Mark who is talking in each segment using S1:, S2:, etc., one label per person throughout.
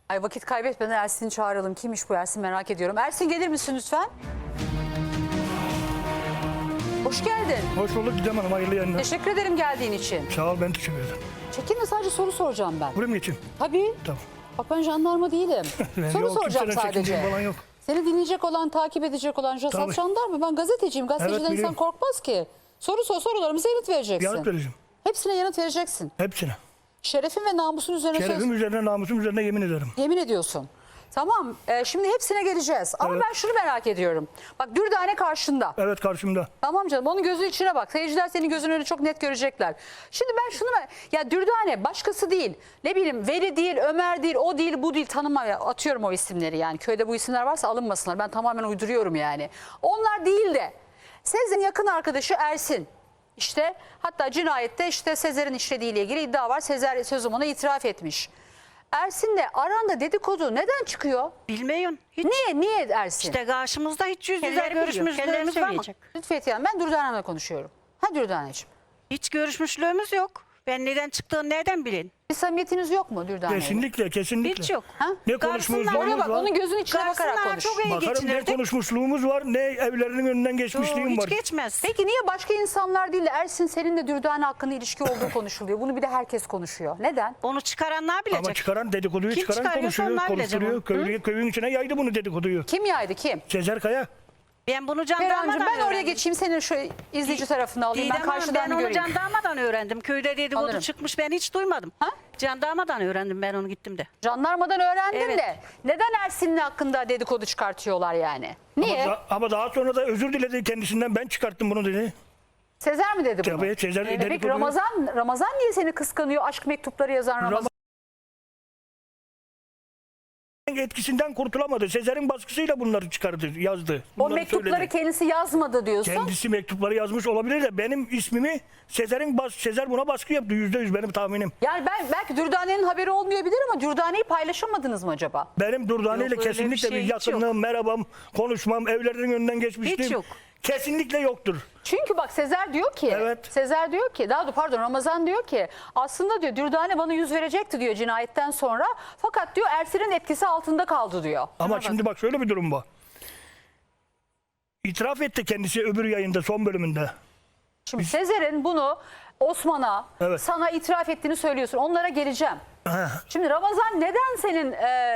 S1: Ay vakit kaybetmeden Ersin'i çağıralım. Kimmiş bu Ersin, merak ediyorum. Ersin gelir misin lütfen? Hoş geldin.
S2: Hoş bulduk Didem Hanım, hayırlı yayınlar.
S1: Teşekkür ederim geldiğin için.
S2: Sağ ol, ben teşekkür ederim.
S1: Çekinme, sadece soru soracağım ben.
S2: Buraya mı geçeyim?
S1: Tabii.
S2: Tamam.
S1: Bak ben jandarma değilim. Soru
S2: Yok,
S1: soracağım
S2: kimsenin
S1: sadece.
S2: çekindiği falan yok.
S1: Seni dinleyecek olan, takip edecek olan
S2: Tabii.
S1: jandarma. Ben gazeteciyim. Gazeteciden insan
S2: biliyorum.
S1: korkmaz ki. Sorularımıza yanıt vereceksin.
S2: Yanıt vereceğim.
S1: Hepsine yanıt vereceksin.
S2: Hepsine.
S1: Şerefin ve namusun üzerine
S2: Şerefim üzerine, namusum üzerine yemin ederim.
S1: yemin ediyorsun. Tamam, şimdi hepsine geleceğiz. Ama
S2: Evet.
S1: ben şunu merak ediyorum. Bak Dürdane karşında.
S2: Evet, karşımda.
S1: Tamam canım, onun gözünün içine bak. Seyirciler senin gözünün önünde çok net görecekler. Şimdi ben şunu ya Dürdane başkası değil. Ne bileyim, Veli değil, Ömer değil, o değil, bu değil, atıyorum o isimleri yani. Köyde bu isimler varsa alınmasınlar. Ben tamamen uyduruyorum yani. Onlar değil de Sezer'in yakın arkadaşı Ersin. İşte hatta cinayette işte Sezer'in işlediğiyle ilgili iddia var. Sezer sözüm ona itiraf etmiş. Ersin'le aranda dedikodu neden çıkıyor?
S3: Bilmiyorum. Hiç.
S1: Niye Ersin?
S3: İşte karşımızda hiç yüz yüze
S4: Kendileri biliyor,
S3: görüşmüşlüğümüz
S4: kendileri
S3: var mı?
S4: söyleyecek.
S1: Lütfetiye Hanım, ben Dürdane'yle konuşuyorum. Ha Dürdane'ciğim.
S3: Hiç görüşmüşlüğümüz yok. Ben neden çıktığını nereden bileyim?
S1: Bir samimiyetiniz yok mu Dürdane'yle?
S2: Kesinlikle, kesinlikle.
S3: Hiç yok.
S1: Ha?
S2: Ne
S3: Karşısında
S2: konuşmuşluğumuz
S1: Oraya bak,
S2: var.
S1: onun gözünün içine bakarak
S3: Karşısına
S1: konuş.
S3: çok iyi
S2: Bakarım, ne
S3: geçinirdik.
S2: konuşmuşluğumuz var, ne evlerinin önünden geçmişliğim
S3: Hiç
S2: var.
S3: geçmez.
S1: Peki niye başka insanlar değil de Ersin seninle Dürdane hakkında ilişki olduğu konuşuluyor? Bunu bir de herkes konuşuyor. Neden?
S3: Onu çıkaranlar bilecek.
S2: Ama çıkaran dedikoduyu
S3: Kim
S2: çıkaran
S3: çıkarıyorsa
S2: konuşuyor,
S3: onlar bilecek
S2: konuşturuyor. Köyün içine yaydı bunu dedikoduyu.
S1: Kim yaydı, kim?
S2: Sezer Kaya.
S3: Ben bunu
S1: Perihan'cığım,
S3: jandarmadan
S1: ben oraya
S3: öğrendim.
S1: geçeyim, senin şu izleyici tarafını alayım.
S3: Didem
S1: Ben
S3: Hanım,
S1: karşıdan
S3: ben onu
S1: göreyim.
S3: jandarmadan öğrendim. Köyde dedikodu
S1: Anlarım.
S3: çıkmış, ben hiç duymadım.
S1: Ha?
S3: Jandarmadan öğrendim ben onu gittim de.
S1: Jandarmadan öğrendim
S3: Evet.
S1: de neden Ersin'le hakkında dedikodu çıkartıyorlar yani? Niye?
S2: Ama daha sonra da özür diledi kendisinden, ben çıkarttım bunu dedi.
S1: Sezer mi dedi bunu?
S2: Tabii, Sezer
S1: Peki
S2: dedikoduyu.
S1: Ramazan niye seni kıskanıyor? Aşk mektupları yazan Ramazan.
S2: Etkisinden kurtulamadı. Sezer'in baskısıyla bunları çıkardı, yazdı.
S1: O
S2: Bunları
S1: mektupları
S2: söyledi.
S1: kendisi yazmadı diyorsun.
S2: Kendisi mektupları yazmış olabilir de benim ismimi Sezer buna baskı yaptı, %100 benim tahminim.
S1: Yani belki Dürdane'nin haberi olmayabilir ama Dürdane'yi paylaşamadınız mı acaba?
S2: Benim Durdane ile
S3: Yok, öyle bir
S2: kesinlikle
S3: şey
S2: bir
S3: hiç
S2: yakınlığım, merhabam, konuşmam, evlerinin önünden geçmiştim.
S3: Hiç yok.
S2: Kesinlikle yoktur.
S1: Çünkü bak Sezer diyor ki,
S2: Evet.
S1: Ramazan diyor ki aslında diyor Dürdane bana yüz verecekti diyor cinayetten sonra. Fakat diyor Ersin'in etkisi altında kaldı diyor.
S2: Ama şimdi bak şöyle bir durum var. İtiraf etti kendisi öbür yayında, son bölümünde.
S1: Şimdi Sezer'in bunu Osman'a,
S2: Evet.
S1: sana itiraf ettiğini söylüyorsun. Onlara geleceğim.
S2: Ha.
S1: Şimdi Ramazan neden senin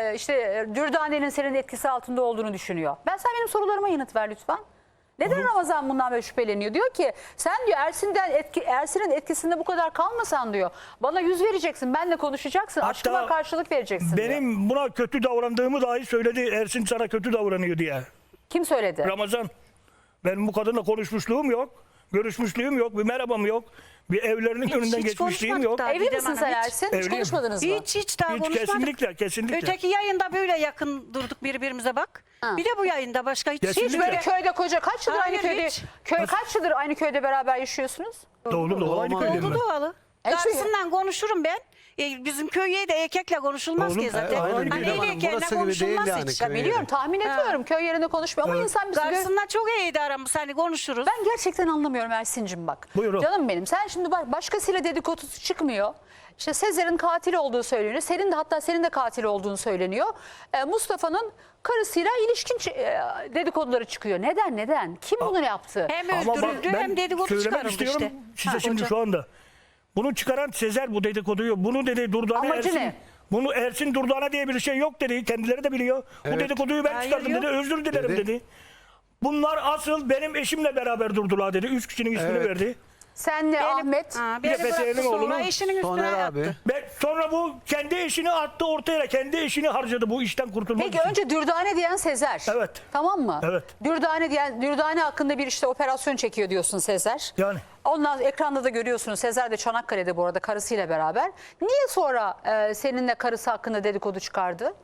S1: Dürdane'nin senin etkisi altında olduğunu düşünüyor? Sen benim sorularıma yanıt ver lütfen. Neden Ramazan bundan böyle şüpheleniyor? Diyor ki sen diyor Ersin'in etkisinde bu kadar kalmasan diyor. Bana yüz vereceksin, benle konuşacaksın,
S2: Hatta
S1: aşkıma karşılık vereceksin diyor.
S2: Benim buna kötü davrandığımı dahi söyledi. Ersin sana kötü davranıyor diye.
S1: Kim söyledi?
S2: Ramazan. Benim bu kadınla konuşmuşluğum yok. Görüşmüşlüğüm yok. Bir merhabam yok. Bir evlerinin önünden
S3: hiç
S2: geçmişliğim
S3: konuşmadık
S2: yok.
S3: daha.
S1: Evli
S3: Didem
S1: misin
S3: Hanım,
S1: sen
S3: hiç.
S1: Ersin? Hiç
S2: Evliyim.
S1: konuşmadınız mı?
S3: Hiç daha
S2: Hiç,
S3: konuşmadık.
S2: kesinlikle.
S3: Öteki yayında böyle yakın durduk birbirimize bak.
S1: Ha.
S3: Bir de bu yayında başka hiç.
S2: Kesinlikle.
S1: Hiç böyle köyde kaç yıldır aynı
S3: Hayır,
S1: köyde
S3: hiç.
S1: kaç yıldır aynı köyde beraber yaşıyorsunuz?
S2: Doğru aynı köydeyim
S3: Oldu
S2: ben.
S3: doğalı. Karşısından konuşurum ben. Bizim köyye de erkekle konuşulmaz
S2: Oğlum,
S3: ki zaten.
S2: aynen
S3: Hani
S2: öyle.
S3: el erkeğine
S4: Burası gibi değil
S3: konuşulmaz
S4: yani.
S3: hiç.
S1: Ya
S4: Köy
S1: biliyorum,
S4: yeri.
S1: tahmin ediyorum. Köy yerinde konuşmuyor ama insan bizi
S3: Karşısında çok iyiydi aramız. Hani konuşuruz.
S1: Ben gerçekten anlamıyorum Ersin'cim bak.
S2: Buyurun.
S1: Canım benim, sen şimdi bak başkasıyla dedikodusu çıkmıyor. İşte Sezer'in katil olduğu söyleniyor. Senin de katil olduğunu söyleniyor. Mustafa'nın karısıyla ilişkin dedikoduları çıkıyor. Neden? Kim bunu yaptı?
S3: Hem
S2: Ama bak,
S3: öldürüldü
S2: ben
S3: hem dedikodu
S2: söylemek
S3: çıkarıldı
S2: istiyorum
S3: işte.
S2: size şimdi şu anda. Bunu çıkaran Sezer bu dedikoduyu. Bunu dedi Durdane
S1: Amacı
S2: Ersin.
S1: ne?
S2: Bunu Ersin Durdane diye bir şey yok dedi. Kendileri de biliyor. Bu dedikoduyu ben
S3: Hayır,
S2: çıkardım
S3: yok.
S2: dedi. Özür dilerim
S4: Dedi.
S2: dedi. Bunlar asıl benim eşimle beraber durdular dedi. 3 kişinin ismini
S4: Evet.
S2: verdi.
S1: Senle Ahmet.
S2: Bir de
S3: Beni
S2: Fethiye'nin
S3: bıraktı sonra
S2: oğlunu
S3: eşinin üstüne
S4: Soner
S3: attı.
S4: abi.
S2: Ve sonra bu kendi eşini attı ortaya. Kendi eşini harcadı bu işten kurtulmak
S1: Peki
S2: için.
S1: önce Dürdane diyen Sezer.
S2: Evet.
S1: Tamam mı?
S2: Evet.
S1: Dürdane hakkında bir işte operasyon çekiyor diyorsun Sezer.
S2: Yani.
S1: Ondan ekranda da görüyorsunuz, Sezer de Çanakkale'de bu arada karısıyla beraber. Niye sonra seninle karısı hakkında dedikodu çıkardı?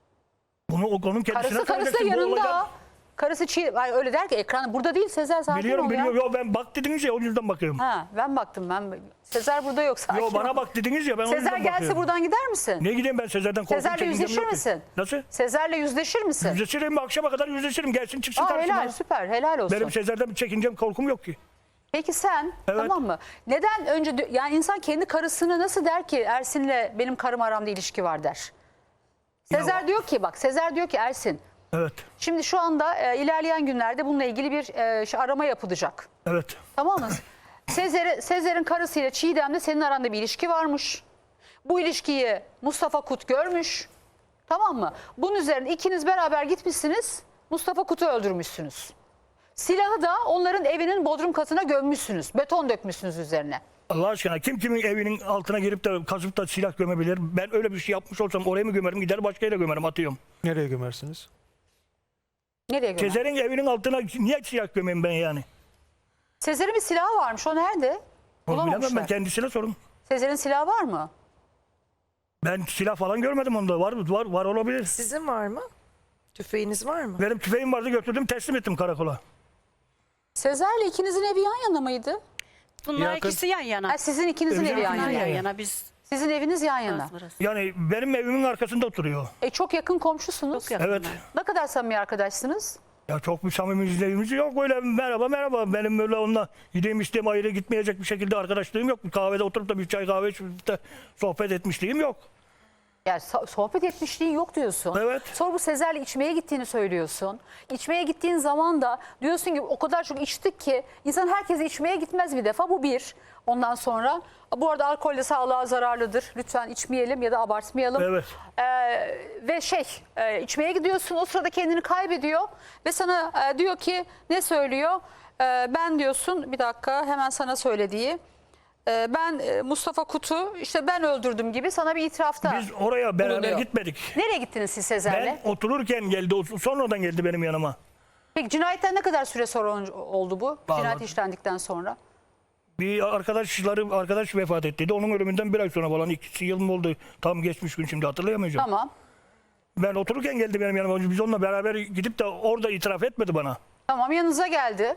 S2: Bunu onun kendisine
S1: Karısı da
S2: söyleyeceksin. Bu
S1: yanında.
S2: olaydan-
S1: Karısı öyle der ki ekran burada değil Sezer, sakin
S2: Biliyorum
S1: ol ya.
S2: biliyorum. Yo, ben bak dediniz ya o yüzden bakıyorum.
S1: Ha, ben baktım. Sezer burada yok, sakin
S2: Yo,
S1: ol.
S2: bana bak dediniz ya ben o
S1: Sezer
S2: yüzden
S1: gelse
S2: bakıyorum.
S1: buradan gider misin?
S2: Ne gideyim ben Sezer'den korkup
S1: Sezer'le
S2: çekincem
S1: yüzleşir
S2: yok ki.
S1: misin?
S2: Nasıl?
S1: Sezer'le yüzleşir misin?
S2: Yüzleşirim, akşama kadar yüzleşirim. Gelsin çıksın
S1: Aa,
S2: karşıma.
S1: helal, süper, helal olsun.
S2: Benim Sezer'den bir çekincem, korkum yok ki.
S1: Peki sen,
S2: Evet.
S1: tamam mı? Neden yani insan kendi karısını nasıl der ki Ersin'le benim karım aramda ilişki var der? Sezer diyor ki bak Sezer diyor ki Ersin
S2: Evet.
S1: şimdi şu anda ilerleyen günlerde bununla ilgili bir arama yapılacak.
S2: Evet.
S1: Tamam mı? Sezer'in karısıyla Çiğdem'le senin aranda bir ilişki varmış. Bu ilişkiyi Mustafa Kut görmüş. Tamam mı? Bunun üzerine ikiniz beraber gitmişsiniz. Mustafa Kut'u öldürmüşsünüz. Silahı da onların evinin bodrum katına gömmüşsünüz. Beton dökmüşsünüz üzerine.
S2: Allah aşkına kim kimin evinin altına girip de kazıp da silah gömebilir? Ben öyle bir şey yapmış olsam oraya mı gömerim? Gider başka yere gömerim, atıyorum.
S4: Nereye gömersiniz?
S1: Nereye gömer?
S2: Sezer'in evinin altına niye silah gömeyim ben yani?
S1: Sezer'in bir silahı varmış. O nerede?
S2: Onu bilemem, ben
S1: Bulamamışlar.
S2: kendisine sorun.
S1: Sezer'in silahı var mı? Ben
S2: Silah falan görmedim onda. Var olabilir.
S5: Sizin var mı? Tüfeğiniz var mı?
S2: Benim tüfeğim vardı, götürdüm teslim ettim karakola.
S1: Sezer'le ikinizin evi yan yana mıydı?
S3: Bunlar
S4: Yakın.
S3: ikisi yan yana.
S1: Ha, sizin ikinizin evi yan
S3: Bunlar
S1: yana.
S3: yan yana. Biz
S1: Sizin eviniz yan yana.
S3: burası, burası.
S2: Yani benim evimin arkasında oturuyor.
S1: Çok yakın komşusunuz.
S3: Çok yakın.
S2: Evet.
S1: Ne kadar samimi arkadaşsınız?
S2: Ya çok bir samimiyetimiz yok, öyle merhaba. Benim öyle onunla yediğim içtiğim ayrı gitmeyecek bir şekilde arkadaşlığım yok. Bir kahvede oturup da bir çay kahve içip de sohbet etmişliğim yok.
S1: Yani sohbet etmişliğin yok diyorsun.
S2: Evet.
S1: Sonra bu Sezer'le içmeye gittiğini söylüyorsun. İçmeye gittiğin zaman da diyorsun ki o kadar çok içtik ki insan herkese içmeye gitmez bir defa. Bu bir. Ondan sonra bu arada alkol de sağlığa zararlıdır. Lütfen içmeyelim ya da abartmayalım.
S2: Evet.
S1: Ve içmeye gidiyorsun, o sırada kendini kaybediyor ve sana diyor ki ne söylüyor? Ben diyorsun, bir dakika hemen sana söylediği. Ben Mustafa Kut'u işte ben öldürdüm gibi sana bir itirafta.
S2: Biz oraya beraber
S1: bulunuyor.
S2: gitmedik.
S1: Nereye gittiniz siz Sezer'le?
S2: Ben otururken geldi, sonradan geldi benim yanıma.
S1: Peki cinayetten ne kadar süre sonra oldu bu?
S2: Vallahi-
S1: Cinayet işlendikten sonra.
S2: Bir arkadaş vefat ettiydi. Onun ölümünden bir ay sonra falan, 2 yıl mı oldu? Tam geçmiş gün, şimdi hatırlayamayacağım.
S1: Tamam.
S2: Ben otururken geldi benim yanıma. Biz onunla beraber gidip de orada itiraf etmedi bana.
S1: Tamam, yanınıza geldi.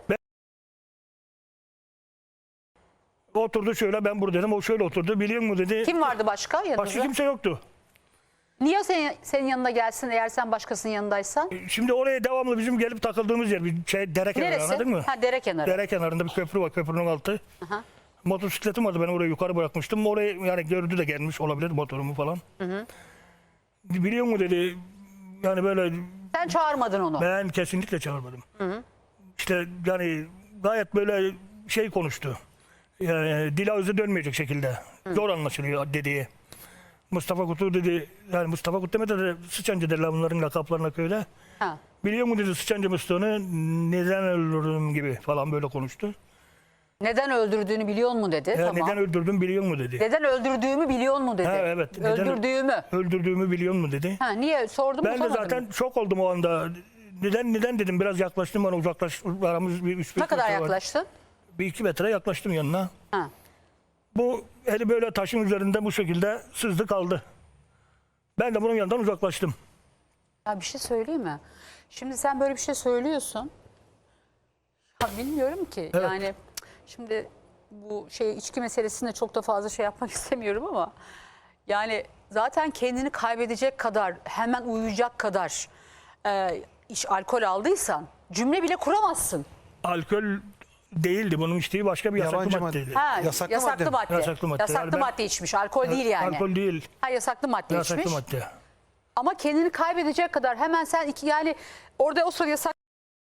S2: Oturdu şöyle, ben buradaydım. O şöyle oturdu. Biliyor musun dedi.
S1: Kim vardı başka yanınızda?
S2: Başka kimse yoktu.
S1: Niye senin yanına gelsin eğer sen başkasının yanındaysan?
S2: Şimdi oraya devamlı bizim gelip takıldığımız yer. Bir dere kenarı,
S1: Neresi?
S2: anladın mı?
S1: Ha, dere kenarı.
S2: Dere kenarında bir köprü var. Köprünün altı.
S1: Aha.
S2: Motosikletim vardı. Ben oraya yukarı bırakmıştım. Oraya yani gördü de gelmiş olabilir motorumu falan. Biliyor musun dedi. Yani böyle
S1: Sen çağırmadın onu.
S2: ben kesinlikle çağırmadım. İşte yani gayet böyle şey konuştu. Yani dil ağzı dönmeyecek şekilde. Zor anlaşılıyor dediği. Mustafa Kut'u dedi. Yani Mustafa Kut demedi de Sıçancı derler bunların lakaplarına köyde.
S1: Ha.
S2: Biliyor musun dedi Sıçancı Mustafa'nı neden öldürdüm gibi falan böyle konuştu.
S1: Neden öldürdüğünü biliyor mu dedi.
S2: Ya
S1: Tamam.
S2: neden öldürdüm biliyor musun dedi.
S1: Neden öldürdüğümü biliyor mu dedi.
S2: Ha, evet. Neden
S1: Öldürdüğümü.
S2: Öldürdüğümü biliyor musun dedi.
S1: Ha, niye sordum mu
S2: Ben de
S1: sormadın
S2: zaten
S1: mı?
S2: şok oldum o anda. Neden dedim, biraz yaklaştım, bana aramız bir 3-5
S1: Ne kadar
S2: metre var.
S1: yaklaştın?
S2: Bir 2 metre yaklaştım yanına.
S1: Ha.
S2: Bu eli böyle taşın üzerinde bu şekilde sızdı kaldı. Ben de bunun yanından uzaklaştım.
S1: Ya bir şey söyleyeyim mi? Şimdi sen böyle bir şey söylüyorsun. Ya bilmiyorum ki.
S2: Evet.
S1: Yani şimdi bu içki meselesinde çok da fazla şey yapmak istemiyorum ama yani zaten kendini kaybedecek kadar, hemen uyuyacak kadar alkol aldıysan cümle bile kuramazsın.
S2: Alkol değildi, bunun içtiği başka bir yasaklı
S4: Yabancı
S2: maddeydi.
S1: Ha,
S4: Yasaklı
S1: yasaklı madde.
S2: Yasaklı madde.
S1: Yasaklı
S2: Yani ben-
S1: madde içmiş. Alkol değil yani.
S2: Alkol değil,
S1: Ha, yasaklı madde
S2: yasaklı
S1: içmiş.
S2: madde.
S1: Ama kendini kaybedecek kadar hemen sen yani orada o sırada yasak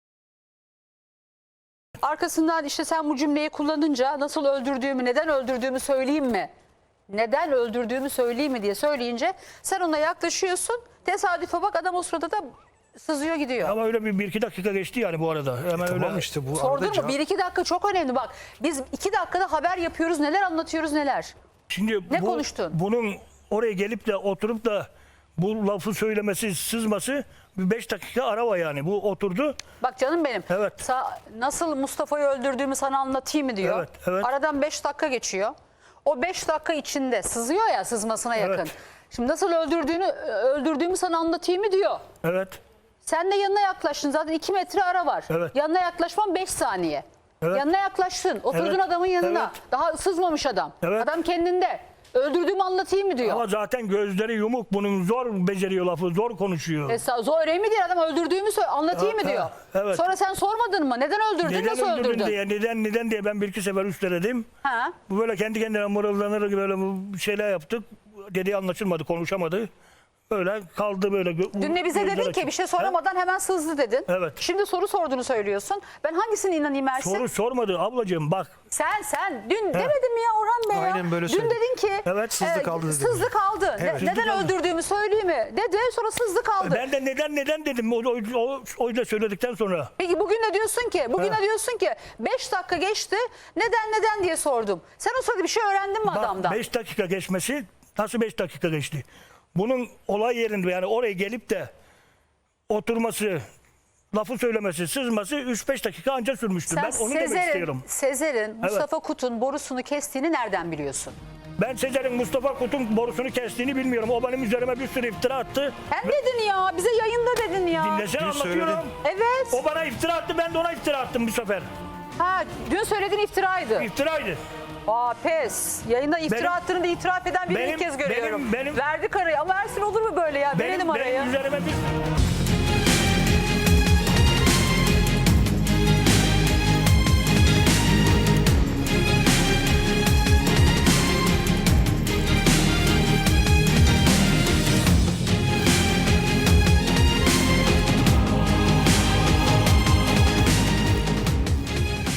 S1: arkasından işte sen bu cümleyi kullanınca nasıl öldürdüğümü, neden öldürdüğümü söyleyeyim mi? Neden öldürdüğümü söyleyeyim mi diye söyleyince sen ona yaklaşıyorsun. Tesadüfe bak adam o sırada da sızıyor gidiyor.
S2: Ama öyle bir 1-2 dakika geçti yani bu arada. Hemen
S4: Tamam
S2: öyle.
S4: işte bu
S1: Sordun
S4: arada
S1: mu?
S4: cevap-
S1: 1-2 dakika çok önemli bak. Biz 2 dakikada haber yapıyoruz. Neler anlatıyoruz neler.
S2: Şimdi
S1: Ne konuştun?
S2: Bunun oraya gelip de oturup da bu lafı söylemesi, sızması bir 5 dakika ara var yani. Bu oturdu.
S1: Bak canım benim.
S2: Evet.
S1: Nasıl Mustafa'yı öldürdüğümü sana anlatayım mı diyor.
S2: Evet, evet.
S1: Aradan 5 dakika geçiyor. O 5 dakika içinde sızıyor ya, sızmasına yakın.
S2: Evet.
S1: Şimdi nasıl öldürdüğümü sana anlatayım mı diyor.
S2: Evet.
S1: Sen de yanına yaklaştın. Zaten 2 metre ara var.
S2: Evet.
S1: Yanına yaklaşman 5 saniye.
S2: Evet.
S1: Yanına yaklaştın. Oturdun
S2: Evet.
S1: adamın yanına.
S2: Evet.
S1: Daha sızmamış adam.
S2: Evet.
S1: Adam kendinde. Öldürdüğümü anlatayım mı diyor.
S2: Ama zaten gözleri yumuk, bunun zor beceriyor lafı, zor konuşuyor.
S1: Zor öyle mi değil adam öldürdüğümü anlatayım mı
S2: Ha,
S1: diyor.
S2: evet.
S1: Sonra sen sormadın mı? Neden öldürdün?
S2: Neden
S1: Nasıl
S2: öldürdün
S1: öldürdün?
S2: diye, neden diye ben 1-2 sefer üsteledim.
S1: Ha?
S2: Bu böyle kendi kendine mırıldanır gibi böyle bir şeyler yaptık. Dediği anlaşılmadı, konuşamadı. Öyle kaldı böyle.
S1: Dün de bize dedin ki bir şey soramadan hemen sızdı dedin.
S2: Evet.
S1: Şimdi soru sorduğunu söylüyorsun. Ben hangisine inanayım Ersin?
S2: Soru sormadı ablacığım bak.
S1: Sen dün demedin mi ya Orhan Bey ya?
S4: Aynen böyle
S1: Dün
S4: söyledi.
S1: dedin ki
S2: Evet,
S4: sızdı kaldı dedi.
S1: Sızdı kaldı.
S4: Evet.
S1: Neden
S2: Sızdı kaldı.
S1: öldürdüğümü söyleyeyim mi? Dedi sonra sızdı kaldı.
S2: Ben de neden dedim o da söyledikten sonra.
S1: Peki bugün de diyorsun ki 5 dakika geçti. Neden diye sordum. Sen o sırada bir şey öğrendin mi adamdan?
S2: 5 dakika geçmesi nasıl 5 dakika geçti? Bunun olay yerinde yani oraya gelip de oturması, lafı söylemesi, sızması 3-5 dakika anca sürmüştür.
S1: Sen
S2: Ben onu demek istiyorum.
S1: Sezer'in Mustafa Kut'un borusunu kestiğini nereden biliyorsun?
S2: Ben Sezer'in Mustafa Kut'un borusunu kestiğini bilmiyorum. O benim üzerime bir sürü iftira attı.
S1: Sen dedin ya bize yayında dedin ya.
S2: Dinlesene
S4: Dün
S2: anlatıyorum.
S4: söyledin.
S1: Evet.
S2: O bana iftira attı, ben de ona iftira attım bu sefer.
S1: Ha dün söylediğin iftiraydı.
S2: İftiraydı.
S1: Aa pes. Yayında iftira
S2: Benim-
S1: attığını da itiraf eden birini ilk kez görüyorum.
S2: benim-
S1: Verdik arayı ama Ersin olur mu böyle ya? Verelim arayı.
S2: Benim üzerime bir